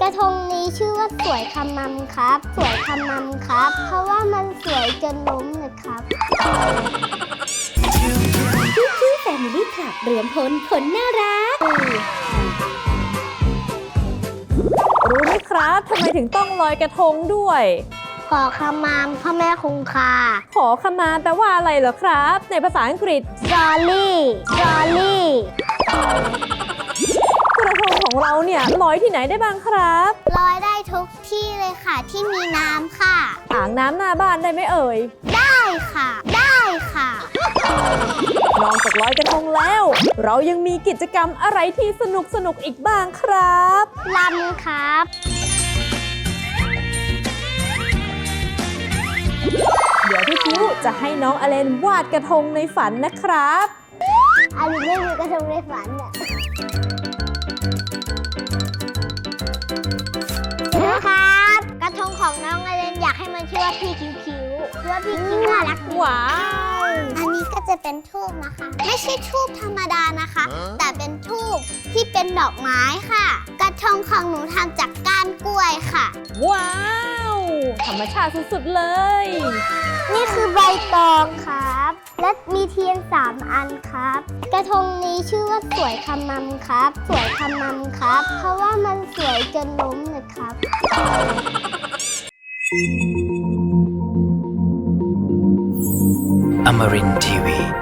ระทงนี้ชื่อว่าสวยคำมัมครับ สวยคำมัมครับ เพราะว่ามันสวยจนล้มนะครับคิ้วแฟมิลี่คลับรวมพลคนน่ารักรู้ไหมครับทำไมถึงต้องลอยกระทงด้วยขอคำมัมพ่อแม่คงคาขอขมาแปลว่าอะไรเหรอครับ ในภาษาอังกฤษ Jolly Jolly กระทงของเราเนี่ยลอยที่ไหนได้บ้างครับลอยได้ทุกที่เลยค่ะที่มีน้ำค่ะอ่างน้ำหน้าบ้านได้ไหมเอ่ยได้ค่ะ ได้ค่ะนอกจากลอยกระทงแล้ว เรายังมีกิจกรรมอะไรที่สนุกอีกบ้างครับลำครับเดี๋ยวพี่คิ้วจะให้น้องอเลนวาดกระทงในฝันนะครับอันนี้ไม่มีกระทงในฝันอ่ะนะครับกระทงของน้องอเลนอยากให้มันชื่อว่าพี่คิ้วคิ้วเพราะว่าพี่คิ้วน่ารักดีว้าวอันนี้ก็จะเป็นทูบนะคะ ไม่ใช่ทูบธรรมดานะคะ แต่เป็นทูบที่เป็นดอกไม้ค่ะ กระทงของหนูทำจากก้านกล้วยค่ะว้าว ธรรมชาติสุดๆเลยนี่คือใบตองครับ และมีเทียน3 อันครับ กระทงนี้ชื่อว่าสวยคำมัมครับ สวยคำมัมครับ เพราะว่ามันสวยจนล้มนะครับ Amarin Tiwi.